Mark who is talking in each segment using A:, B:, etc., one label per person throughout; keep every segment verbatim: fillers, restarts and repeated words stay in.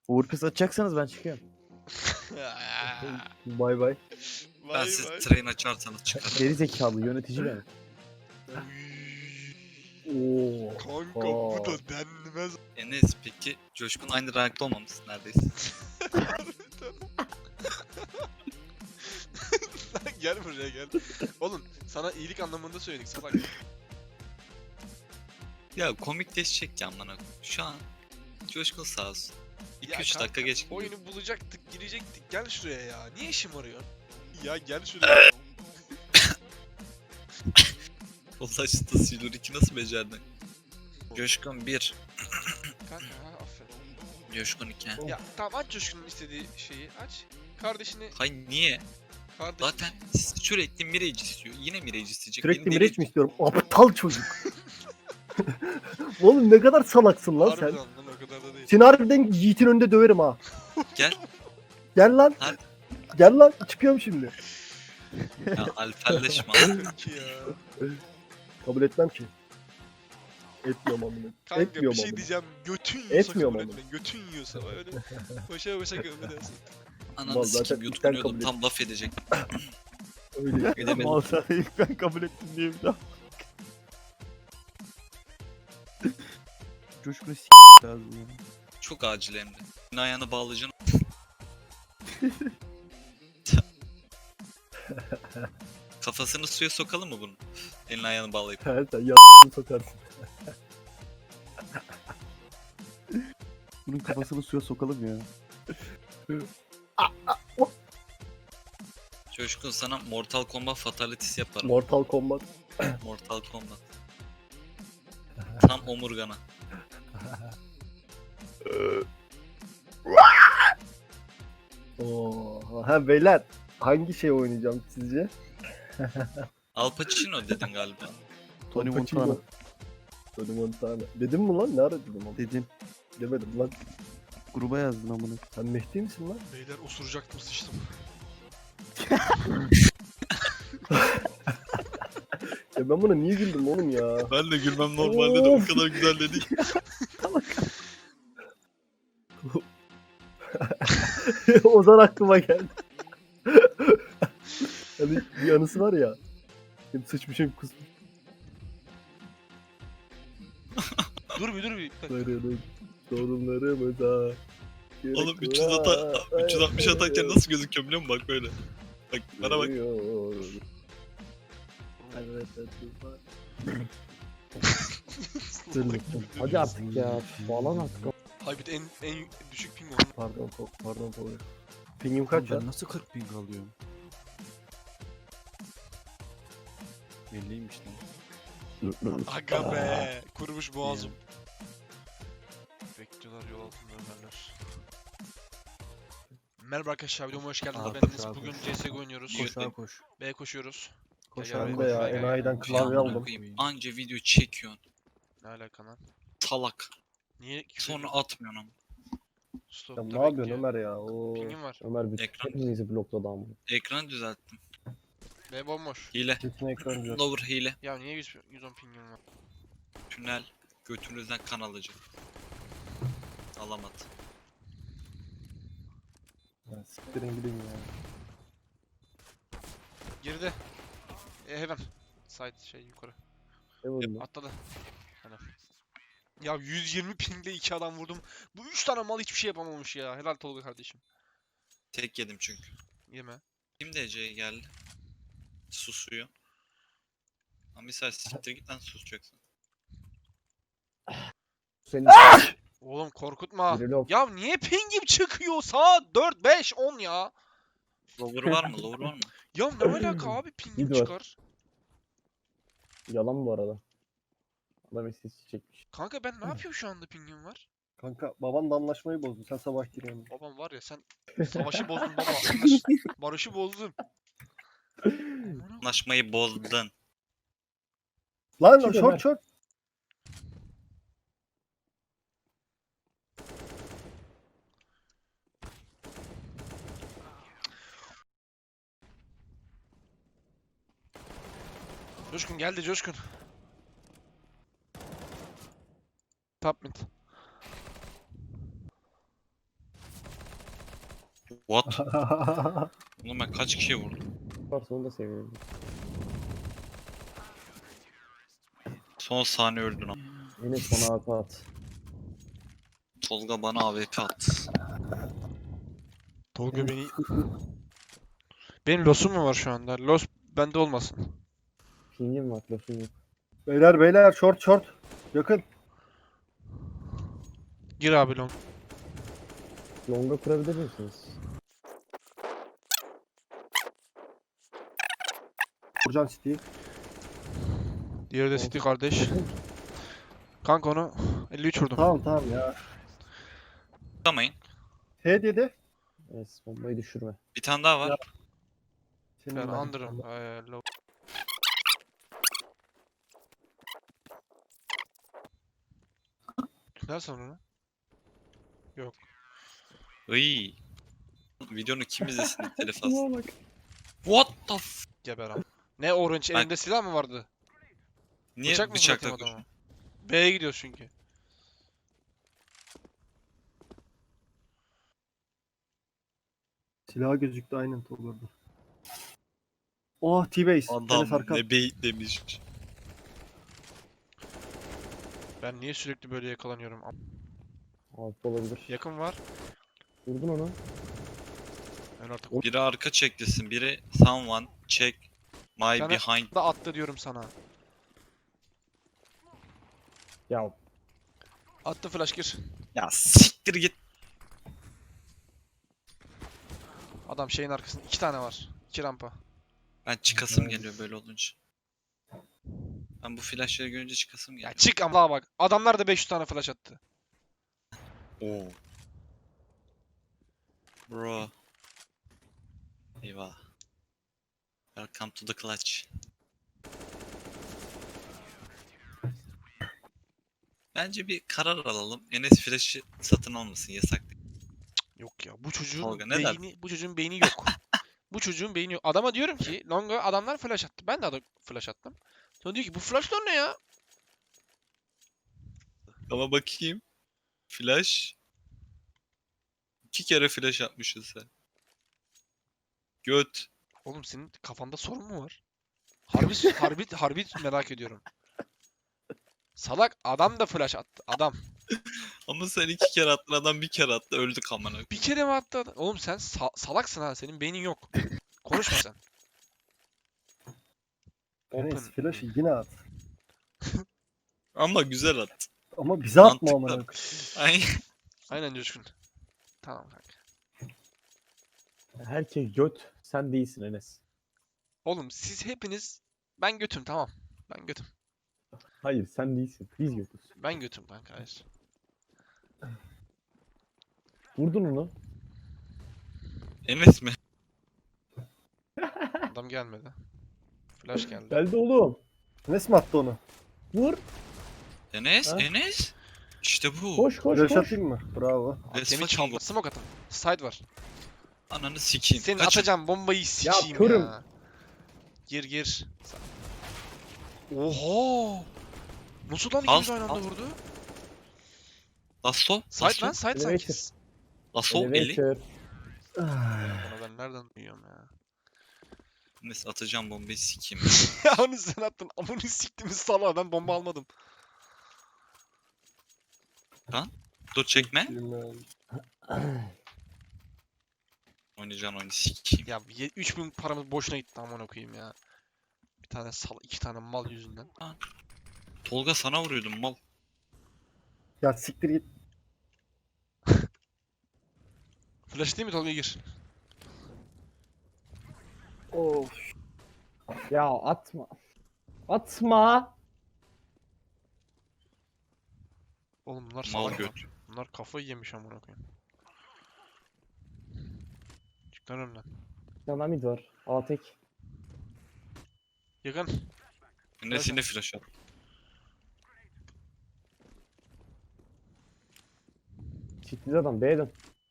A: Overpass atacaksanız ben çıkıyorum. Bay bay.
B: Ben
C: Vay
B: siz
C: vay.
B: train açarsanız çıkarım.
A: Geri zekalı yönetici benim. Oo.
C: Kanka
A: Aa.
C: bu da denmez.
B: Enes peki Coşkun aynı rankta olmamız neredeyse.
C: Gel buraya gel. Oğlum sana iyilik anlamında söyledik salak.
B: Ya komikleşecek ya amına koyayım. Şu an Coşkun sağ olsun.
C: Ya
B: iki üç
C: kanka,
B: dakika geç gidiyor.
C: Oyunu bulacaktık, girecektik. Gel şuraya ya. Niye şımarıyorsun? Ya gel şuraya.
B: Ulaştı Silur iki nasıl becerdin? Coşkun bir,
C: Kanka ha, aferin.
B: Coşkun iki.
C: Ya tamam aç Coşkun'un istediği şeyi aç. Kardeşini,
B: Hayır niye?
C: kardeşini.
B: Zaten sürekli Mirage istiyor. Yine Mirage isteyecek.
A: Sürekli
B: Beni
A: Miraç
B: deli-
A: mi istiyorum? Aptal çocuk. Oğlum ne kadar salaksın lan
C: Harbiden
A: sen.
C: lan o kadar da değil.
A: Seni harbiden Yiğit'in önünde döverim ha.
B: Gel.
A: Gel lan.
B: Hadi.
A: Gel lan. Çıkıyorum şimdi.
B: Ya alfelleşme.
C: Peki ya.
A: Kabul etmem ki. Etmiyorum amına.
C: Kanka
A: Etmiyorum
C: bir şey
A: amına.
C: diyeceğim. Götün yiyorsa
A: Etmiyorum
C: kabul
A: ama.
C: etme. Götün yiyorsa öyle. Başa başa kabul edersin.
B: Ananı
A: Vallahi zaten
B: sikeyim
A: ilkten
B: yutkunuyordum
A: kabul
B: tam laf edecek.
A: Öyle.
B: Edemedim.
A: Mal sana ilk ben kabul ettim diye bir daha. Coşkun'u s*** lazım ya.
B: Çok acil hem de. Senin ayağını bağlayacaksın. Kafasını suya sokalım mı bunun? Elini ayağını bağlayıp.
A: Sen sen ya sokarsın. Bunun kafasını suya sokalım ya.
B: Coşkun sana Mortal Kombat Fatalities yaparım.
A: Mortal Kombat.
B: Mortal Kombat. Tam omurgana.
A: Oo. Ha beyler. Hangi şey oynayacağım sizce?
B: Al Pacino dedin galiba.
A: Tony Montana. Tony Montana. Dedim mi lan? Ne ara dedim ama?
D: Dedin.
A: Demedim lan.
D: Gruba yazdın amına.
A: Sen Mehdi misin lan?
C: Beyler osuracaktım sıçtım.
A: Ya ben buna niye güldüm oğlum ya?
B: Ben de gülmem
A: normalde de o
B: kadar güzel dedik.
A: Ozan aklıma geldi. Hani bir anısı var ya. Hem sıçmışım kusmuş.
C: Dur bir dur bir.
A: Sarılık sorunlarımıza.
B: Oğlum üç yüz ata üç yüz altmış atarken nasıl gözüküyor biliyor musun? Bak böyle. Bak bana bak.
E: Hadi artık ya. Falan artık.
C: Haybit en en düşük ping olan.
A: Pardon Tok, pardon Tok. Pingim kaç ya?
D: Ben nasıl kırk ping alıyorum? elliymiş lan.
C: Aga be. Kurumuş boğazım. Bekliyorlar yol altında Ömerler. Merhaba arkadaşlar videoma hoş geldiniz.
D: Aa,
C: Ben Enes.
D: bravo.
C: Bugün C S G O oynuyoruz.
D: Koş sağa koş.
C: B koşuyoruz.
D: Koş
C: Gel,
D: sağa
C: gel,
A: Ben de ya
C: gel, gel,
A: enayiden
C: gel.
A: klavye
B: Amına
A: aldım.
B: koyayım, anca video çekiyorsun.
C: Ne alaka lan?
B: Salak.
C: Niye küfür
B: Sonra
C: ediyorsun?
B: atmıyorsun ama.
C: Stop,
A: Ya
C: dur
A: ne yapıyorsun
C: bekliyor.
A: Ömer ya? Oo.
C: Pingim var.
E: Ömer bütün
B: Ekran.
E: hepimizi blokladı ama.
B: Ekranı düzelttim.
C: B bomboş.
B: Hile.
A: Bütün ekran diyor.
B: Lower hile.
C: Ya niye yüz, yüz on pingim var?
B: Tünel. Götünüzden kan alacak. Alamadı.
A: Ya siktirin gidin ya.
C: Girdi. E, heaven. Side şey yukarı.
A: Ne vurdun?
C: Atladı. Helal. Ya yüz yirmi pingle iki adam vurdum. Bu üç tane mal hiçbir şey yapamamış ya. Helal Tolga kardeşim.
B: Tek yedim çünkü.
C: Yeme.
B: Kim D C'ye geldi? Susuyor. Ama misal siktir git lan susacaksın.
E: Senin
C: Oğlum korkutma.
E: biri yok.
C: Ya niye pingim çıkıyor? Saat dört beş on ya.
B: Lower var mı? Lower var mı?
C: Ya ne alaka abi pingim
E: Mid var.
C: çıkar.
E: Yalan bu arada. Adam istatistiği çekmiş.
C: Kanka ben ne yapıyorum şu anda pingim var?
A: Kanka baban da anlaşmayı bozdu. Sen sabah giriyorsun.
C: Babam var ya sen savaşı bozdun baba. Anlaş- Barışı bozdun. Amına
B: Anlaşmayı bozdun.
A: Lan
E: Çık Ömer.
A: short short.
C: Coşkun geldi Coşkun. Top mid.
B: What? Oğlum ben kaç kişiye vurdum?
E: Varsa onu da seviyorum.
B: Son saniye öldün ama.
E: Enes bana A P at.
B: Tolga bana A W P at.
C: Tolga beni... Benim losum mu var şu anda? Los bende olmasın.
E: Pingim var, lafım yok.
A: Beyler beyler short short. Yakın.
C: Gir abi long.
E: Longa kurabilir misiniz?
A: Vuracağım City'yi.
C: Diğeri de City kardeş. Kanka onu elli üç vurdum.
A: Tamam tamam ya.
B: Tutamayın.
A: H dedi.
E: Enes bombayı düşürme.
B: Bir tane daha var.
A: Senin
C: Ben
A: ben.
C: under'ım. Ee, low. Nerede onu?
B: Iy. Videonu kim izlesin telef alsın.
E: Şuna bak.
B: What the f...
C: Geber abi. Ne orange
B: Ben-
C: elinde silah mı vardı?
B: Niye
C: Bıçak mı
B: bıçakla
C: fırlatayım
B: koşuyorsun?
C: adama? B'ye gidiyoruz çünkü.
A: Silah gözüktü aynen Tolga'da. Oh T-Base. Enes
B: Adam
A: arka.
B: ne beyit demiş.
C: Ben niye sürekli böyle yakalanıyorum? Am-
E: Altı olabilir.
C: Yakın var.
E: Vurdun onu.
C: Ben artık
B: Biri arka çeklesin, biri someone check my
C: Sana-
B: behind.
C: da attı diyorum sana.
E: Ya
C: Attı flash gir.
B: Ya siktir git.
C: Adam şeyin arkasında iki tane var. İki rampa.
B: Ben çıkasım geliyor böyle olunca. Ben bu flashları görünce çıkasım
C: Ya
B: geliyor.
C: çık ama bak. Adamlar da beş yüz tane flash attı.
B: Oo. Bro. Eyvah. Welcome to the clutch. Bence bir karar alalım. Enes flash'ı satın almasın, yasak değil.
C: Yok ya bu çocuğun
B: Tolga, ne der?
C: beyni bu çocuğun beyni yok. Bu çocuğun beyni yok. Adama diyorum ki longa adamlar flash attı. Ben de adam flash attım. Sonra diyor ki bu flashlar ne ya?
B: Ama bakayım. Flash. İki kere flash atmışsın sen. Göt.
C: Oğlum senin kafanda sorun mu var? Harbi harbi harbi merak ediyorum. Salak adam da flash attı. Adam.
B: Ama sen iki kere attın, adam bir kere attı, öldük amına.
C: Bir kere mi attı adam? Oğlum sen sa- salaksın ha. Senin beynin yok. Konuşma sen.
A: Enes
C: Open.
A: flash'ı yine at.
B: Ama güzel attı.
A: Ama bize atma
B: Mantıklı.
A: amına.
B: Ay.
C: Aynen Coşkun. Tamam kanka.
E: herkes göt. Sen değilsin Enes.
C: Oğlum siz hepiniz ben götüm tamam. Ben götüm.
E: Hayır sen değilsin. Biz götüz.
C: Ben götüm kanka hayır.
E: Vurdun onu.
B: Enes mi?
C: Adam gelmedi. Flash geldi.
E: Geldi oğlum.
A: Enes mi attı onu?
E: Vur.
B: Enes,
E: Ha?
B: Enes. İşte bu.
E: Koş koş
A: Flash
E: koş.
A: atayım mı? Bravo.
B: Let's
C: Temi
B: fucking
C: çaldı.
B: go.
C: Smoke atın. Side var.
B: Ananı sikeyim.
C: Senin
B: Kaçın.
C: atacağım bombayı sikeyim ya.
E: körüm.
C: Gir gir. Oha! Nasıl lan
B: Al,
C: ikimiz aynı anda
B: al.
C: vurdu?
B: Lasso.
C: Side
B: Lasso.
C: lan side sanki.
E: Elevator.
B: Lasso eli.
E: Elevator.
C: Bunu ben nereden duyuyorum ya?
B: Enes atacağım bombayı sikeyim.
C: Ya onu sen attın. Amını siktimiz salağa ben bomba almadım.
B: Dur çekme.
A: Bilmiyorum.
B: Oynayacağın oyunu sikeyim.
C: Ya ye- üç bin paramız boşuna gitti amına koyayım ya. Bir tane sal iki tane mal yüzünden.
B: Tolga sana vuruyordum mal.
A: Ya siktir git.
C: Flash değil mi Tolga gir.
A: Of.
E: Ya atma. Atma.
C: Oğlum bunlar
B: Mal
C: salak lan.
B: göt.
C: Bunlar kafayı yemiş amına koyayım. Çık lan önümden.
E: Yana mid var. A tek.
C: Yakın.
B: Enes yine flash at.
E: Çiftli adam B'den.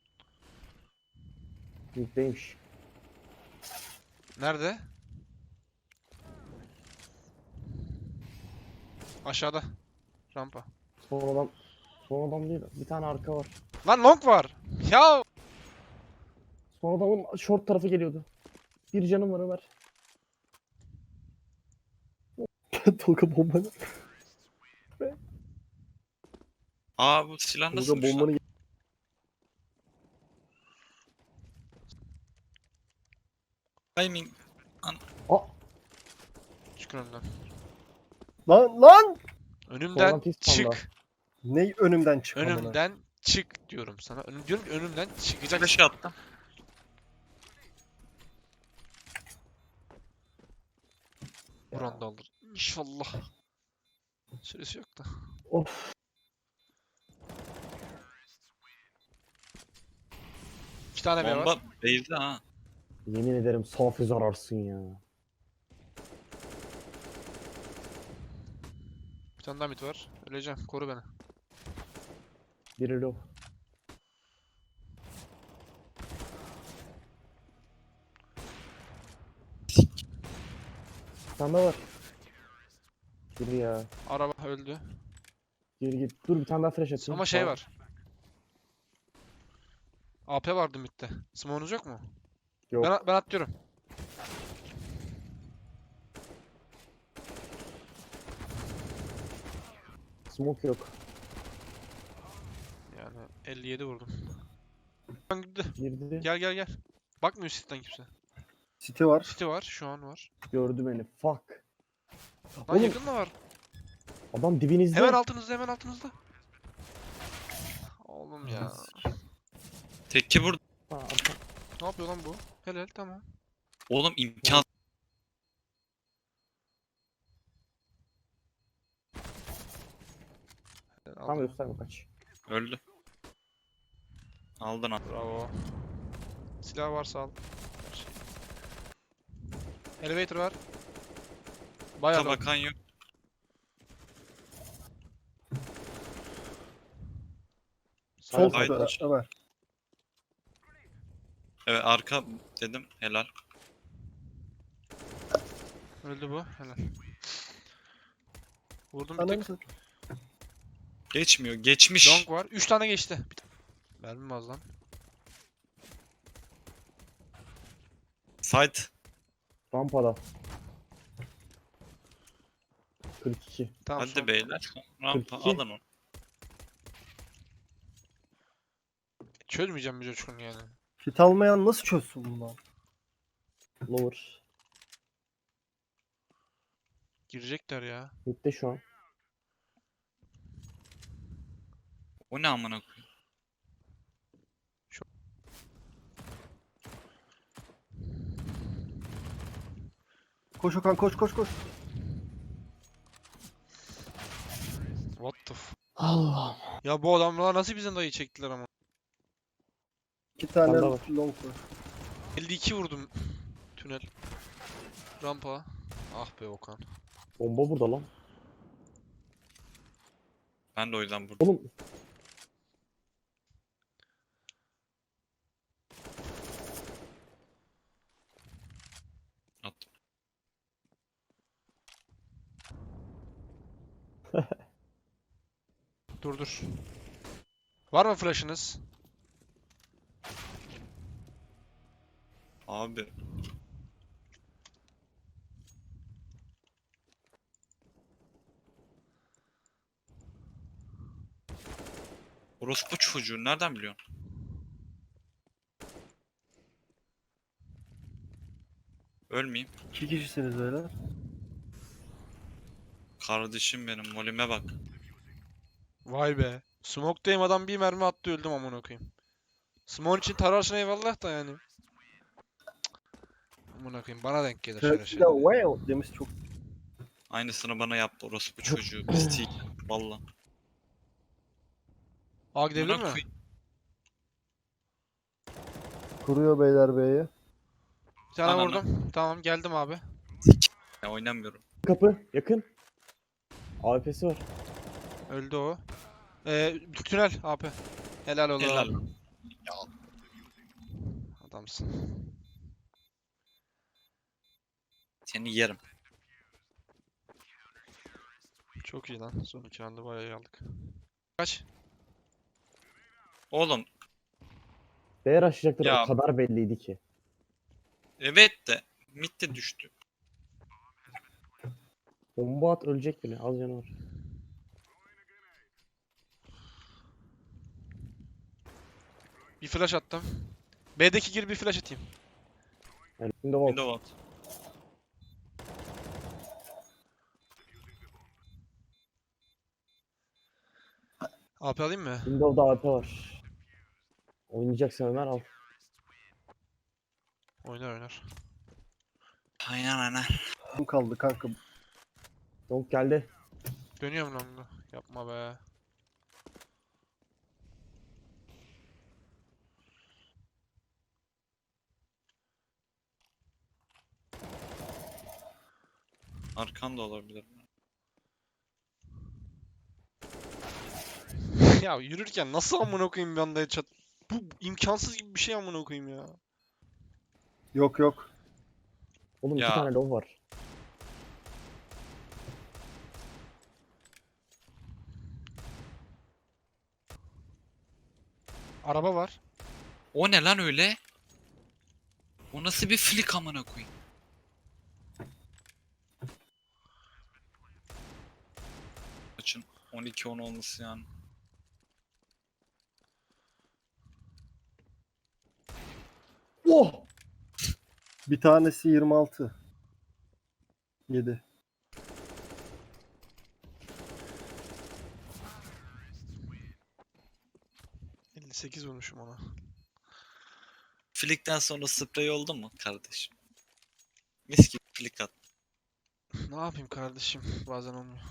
E: Mid'deymiş.
C: Nerede? Aşağıda. Rampa.
E: Son adam. Son adam değil. Bir tane arka var.
C: Lan long var. Ya
E: Son adamın short tarafı geliyordu. Bir canım var Ömer.
A: Tolga bombanı.
B: Aa bu silah
A: Tolga
B: nasılmış lan?
A: bombanı.
B: Timing.
E: Aa!
C: Çıkın önümden.
A: Lan lan!
C: Önümden
E: Soldan pis panda.
C: çık.
A: Ne önümden çık amına.
C: Önümden çık diyorum sana. Önüm, diyorum ki önümden çıkacaksın.
B: Flash'ı attım.
C: Buran da alır. İnşallah. Süresi yok da.
E: Of.
C: İki tane B var.
B: Bomba base'de ha.
E: Yemin ederim safi zararsın ya.
C: Bir tane daha mid var. Öleceğim. Koru beni.
E: Biri low. Bir tane daha var. Biri ya.
C: Araba öldü.
E: Geri git. Dur bir tane daha flash atayım.
C: Ama şey
E: Sağ-
C: var. A P vardı midde. Smoke'unuz yok mu?
E: Yok.
C: Ben, ben atlıyorum.
E: Smoke yok.
C: Yani elli yedi vurdum. Lan gitti.
E: Girdi.
C: Gel gel gel. Bakmıyor City'den kimse.
A: City var.
C: City var. Şu an var.
E: Gördü beni. Fuck.
C: Lan
E: Oğlum.
C: yakın da var.
E: Adam dibinizde.
C: Hemen altınızda hemen altınızda. Oğlum ya.
B: Tekki burada.
E: Ha, arka-
C: Ne yapıyor lan bu? Helal tamam.
B: Oğlum imkan.
C: Helal,
E: Tam
C: aldım.
E: gösterme kaç.
B: Öldü. Aldın al.
C: Bravo. Silah varsa al. Her şey. Elevator var. Bayağı da.
B: Bakan yok.
A: Sol
B: Haydi.
A: tutu Ömer.
B: Evet arka dedim. Helal.
C: Öldü bu. Helal. Vurdum bir
A: Ananı
C: tek.
A: satayım.
B: Geçmiyor. Geçmiş.
C: Long var. üç tane geçti. Bir ta- Mermim az lan.
B: Side.
E: Rampada. kırk iki.
C: Tamam
B: Hadi
C: son.
B: beyler. Rampa
E: kırk iki.
B: alın onu.
C: Çözmeyeceğim bir coşkun yani.
A: Kit almayan nasıl çözsün bunu lan?
E: Lower.
C: Girecekler ya.
E: Mid'de şu an.
B: O ne amına koyayım?
A: Koş Okan koş koş koş.
C: What the f...
E: Allah.
C: Ya bu adamlar nasıl bizden dayı çektiler ama.
A: İki tane
E: Panda var.
A: long var.
C: elli iki vurdum. Tünel. Rampa. Ah be Okan.
E: Bomba burada lan.
B: Ben de o yüzden burada.
E: Oğlum.
B: Attım.
C: Dur dur. Var mı flash'ınız?
B: Abi. Orospu çocuğu nereden biliyorsun? Ölmeyeyim.
A: İki kişisiniz öyle.
B: Kardeşim benim molime bak.
C: Vay be. Smoke'dayım adam bir mermi attı öldüm amına koyayım. Smoke için tararsın eyvallah da yani. Cık. Amına koyayım bana denk gelir şöyle
A: Turkey
C: şeyler.
A: de wow demiş çok.
B: Aynısını bana yaptı orospu çocuğu. Pislik. Valla.
C: A gidebilir
B: Amına
C: mi?
B: koyayım.
A: Kuruyor beyler B'yi.
C: Bir tane
B: Ananı.
C: vurdum. Tamam geldim abi.
B: Ya oynamıyorum.
E: Kapı. Yakın. A W P'si var.
C: Öldü o. Ee, tünel A P. Helal oğlum.
B: Helal.
C: Adamsın.
B: Seni yerim.
C: Çok iyi lan. Son iki anda bayağı iyi aldık. Kaç?
B: Oğlum.
E: Değer aşacakları
B: Ya.
E: o kadar belliydi ki.
B: Evet de mid de düştü.
E: Bomba at ölecek bile. Az canı var.
C: Bir flash attım. B'deki gir bir flash atayım.
E: Yani Windows
B: Window at.
C: A P alayım mı?
E: Windows'da A P var. Oynayacaksan Ömer al.
C: Oynar oynar.
B: Aynen aynen.
A: Kim kaldı kanka?
E: Donk geldi.
C: Dönüyorum longu. Yapma be.
B: Arkan da olabilir.
C: Ya yürürken nasıl amına koyayım bir anda headshot? Bu imkansız gibi bir şey amına koyayım ya.
A: Yok yok.
E: Oğlum
B: Ya.
E: iki tane low var.
C: Araba var.
B: O ne lan öyle? O nasıl bir flick amına koyayım? Açın on iki on olması yani.
E: Oh!
A: Bir tanesi yirmi altı. yedi.
C: elli sekiz vurmuşum ona.
B: Flick'ten sonra sprey oldu mu kardeşim? Mis gibi flick at.
C: Ne yapayım kardeşim? Bazen olmuyor.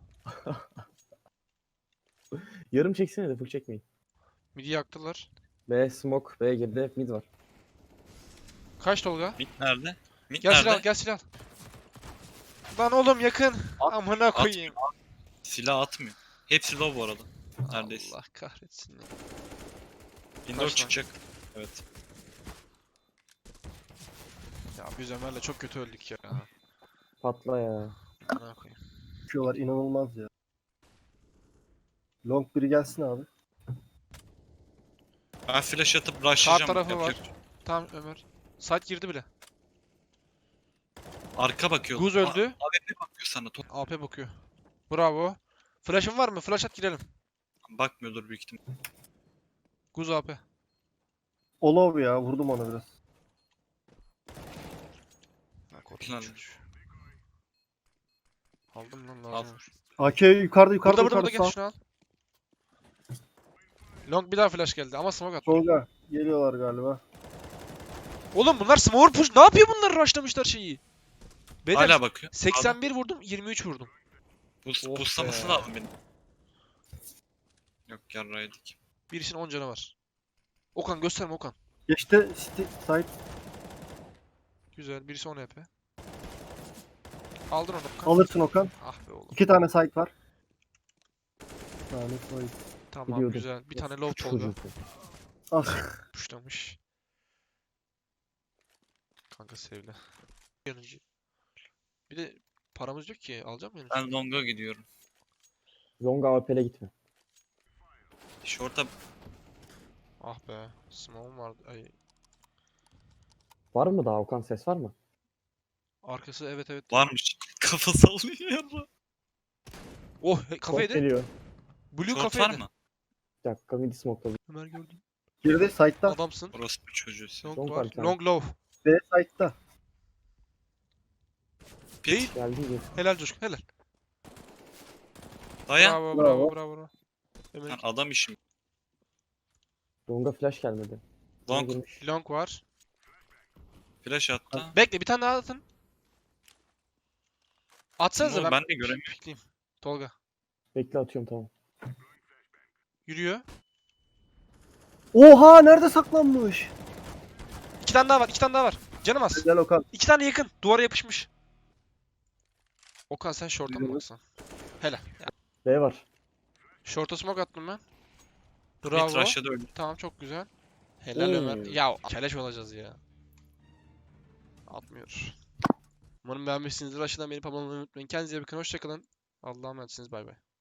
E: Yarım çeksene de full çekmeyin.
C: Midi yaktılar.
E: B smoke. B girdi. Mid var.
C: Kaç Tolga?
B: Mid nerede? Mid
C: Gel
B: nerede?
C: silah, gel silah. Lan oğlum yakın.
B: At-
C: Amına koyayım.
B: Silah atmıyor. Hepsi low bu arada. Neredeyse.
C: Allah kahretsin ya.
B: Window
C: Kaç lan?
B: çıkacak. Evet.
C: Ya biz Ömer'le çok kötü öldük ya.
E: Patla ya.
C: Amına koyayım.
A: Çıkıyorlar inanılmaz ya. Long biri gelsin abi.
B: Ben flash atıp rushlayacağım.
C: tarafı
B: Yapacak
C: var.
B: bir şey yok.
C: Tamam Ömer. Site girdi bile.
B: Arka bakıyor.
C: Guz öldü.
B: A W P bakıyor sana. Top
C: A P bakıyor. Bravo. Flash'ın var mı? Flash at girelim.
B: bakmıyordur büyük ihtimal.
C: Guz A P.
A: Olov ya vurdum ona biraz.
C: Ha, korkunç.
B: Lan.
C: Aldım lan
B: Al.
C: lazım.
A: A K yukarıda yukarıda
C: Burada burada burada
A: yukarıda
C: gel
A: sağ.
C: şunu al. Long bir daha flash geldi ama smoke attı.
A: Tolga geliyorlar galiba.
C: Oğlum bunlar smoke push. Ne yapıyor bunlar? Rushlamışlar şeyi. Beyler
B: Hala bakıyor.
C: seksen bir vurdum, yirmi üç vurdum.
B: Bus,
C: Oh
B: buslaması
C: be.
B: lazım benim. Yok yarraydık.
C: Birisinin on canı var. Okan gösterme Okan.
A: Geçti sti- site.
C: Güzel. Birisi on H P. Aldın onu Okan.
A: Alırsın Okan.
C: Ah be oğlum.
A: İki tane site var. Bir tane site.
C: Tamam
E: Biliyordum.
C: güzel. Bir tane low
E: Çocuğu.
C: Tolga
A: Ah.
C: pushlamış. Kanka sevle. Yanıcı. Bir de paramız yok ki. Alacağım yanıcı.
B: Ben long'a gidiyorum.
E: Zonga A P'le gitme.
B: Short'a
C: Ah be. Smoke'um vardı. Ay.
E: Var mı daha Okan, ses var mı?
C: Arkası evet evet.
B: varmış. Kafa sallıyor yarra.
C: Oh he-
E: Short
C: kafaydı.
E: geliyor.
C: Blue
B: Short var
C: kafaydı.
B: mı?
E: Bir dakika midi smoke'ladı.
C: Ömer gördüm.
A: Girdi site'da.
C: Adamsın.
B: Orası bir çocuğu. sen.
C: Long
E: Long var
C: var.
E: bir tane.
C: Long low.
A: B site'da.
C: Değil.
E: Geldi mi?
C: Helal Coşkun helal.
B: Dayan.
C: Bravo
A: Bravo.
C: bravo bravo. bravo. Ömer
B: Lan adam işim.
E: Zonga flash gelmedi. Bana
B: Long
E: girmiş.
C: long var.
B: flash attı.
C: Bekle bir tane daha atın. Atsanıza
B: Oğlum
C: ben,
B: ben de göremiyorum.
C: pikleyeyim. Tolga.
E: Bekle atıyorum tamam.
C: Yürüyor.
A: Oha nerede saklanmış?
C: İki tane daha var. iki tane daha var. Canım az.
A: Güzel Okan.
C: İki tane yakın. Duvara yapışmış. Okan sen short'a mı
A: Gidiyorum.
C: baksan? Helal. Ya,
E: B var.
C: short'a smoke attım ben.
B: Mid
C: Bravo.
B: rush'da da öldü.
C: Tamam çok güzel. Helal
E: Oo.
C: Ömer. Ya keleş olacağız ya. Atmıyor. Umarım beğenmişsinizdir. Aşağıdan beni pamalamayı unutmayın. Kendinize iyi bakın. Hoşçakalın. Allah'a emanetsiniz. Bay bay.